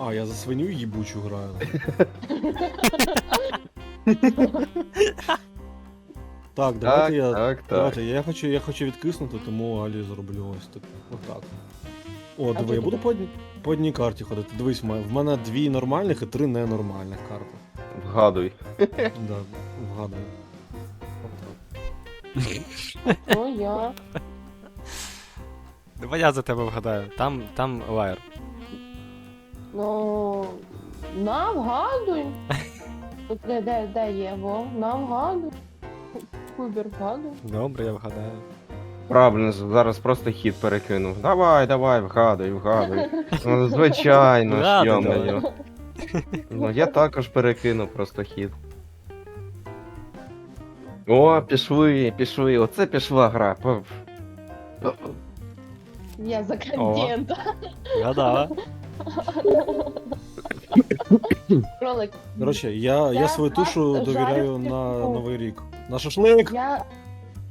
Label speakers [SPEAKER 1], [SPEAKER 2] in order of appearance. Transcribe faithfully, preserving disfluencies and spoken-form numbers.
[SPEAKER 1] А, я за свиню їбучу граю. Так, давайте я.
[SPEAKER 2] Так, так.
[SPEAKER 1] Давайте, я хочу, я хочу відкиснути, тому Алі зроблю ось так. Отак. О, диви, я
[SPEAKER 3] чого
[SPEAKER 1] буду
[SPEAKER 3] ти?
[SPEAKER 1] по одній, по одній карті ходити. Дивись, в мене- в мене дві нормальних і три ненормальних карти.
[SPEAKER 2] Вгадуй.
[SPEAKER 1] Да, вгадую.
[SPEAKER 3] Ну я.
[SPEAKER 4] Давай я за тебе вгадаю. Там, там лайер.
[SPEAKER 3] Ну. На, вгадуй. Тут де, де, де є, во? На, вгадуй. Кубер, вгадуй.
[SPEAKER 4] Добре, я вгадаю.
[SPEAKER 2] Правильно, зараз просто хід перекинув. Давай, давай, вгадуй, вгадуй. Ну, звичайно, ж,
[SPEAKER 4] Вгадуй,
[SPEAKER 2] йо-моє. Ну, я також перекину просто хід. О, пішли, пішли, оце пішла гра. П-
[SPEAKER 3] Я за контента.
[SPEAKER 4] Вгадала.
[SPEAKER 3] Кролик.
[SPEAKER 1] Коротше, я, я
[SPEAKER 3] Я
[SPEAKER 1] свою тушу
[SPEAKER 3] вас
[SPEAKER 1] довіряю
[SPEAKER 3] жарю
[SPEAKER 1] на
[SPEAKER 3] в
[SPEAKER 1] Новий рік. На шашлик!
[SPEAKER 3] Я